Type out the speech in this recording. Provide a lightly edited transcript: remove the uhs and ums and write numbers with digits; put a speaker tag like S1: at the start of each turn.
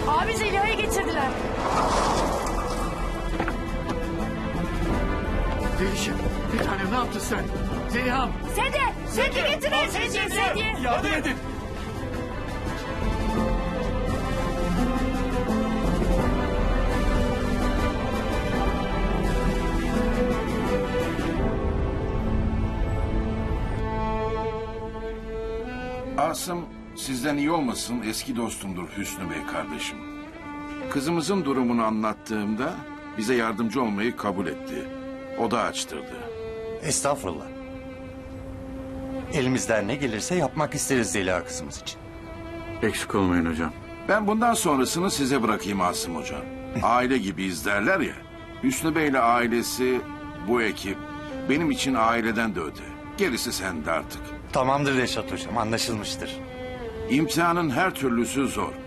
S1: Abi Zeliha'yı getirdiler.
S2: Zelişim, bir tanem ne yaptın sen? Zeliha'm.
S1: Sedye getirin. Sedye.
S2: Yardım edin.
S3: Asım sizden iyi olmasın, eski dostumdur Hüsnü Bey kardeşim. Kızımızın durumunu anlattığımda bize yardımcı olmayı kabul etti. Oda açtırdı.
S4: Estağfurullah. Elimizden ne gelirse yapmak isteriz Zeliha kızımız için.
S2: Eksik olmayın hocam.
S3: Ben bundan sonrasını size bırakayım Asım Hocam. Aile gibiyiz derler ya. Hüsnü Bey'le ailesi, bu ekip benim için aileden de öte. Gerisi sende artık.
S4: Tamamdır Reşat hocam, anlaşılmıştır.
S3: İmtihanın her türlüsü zor.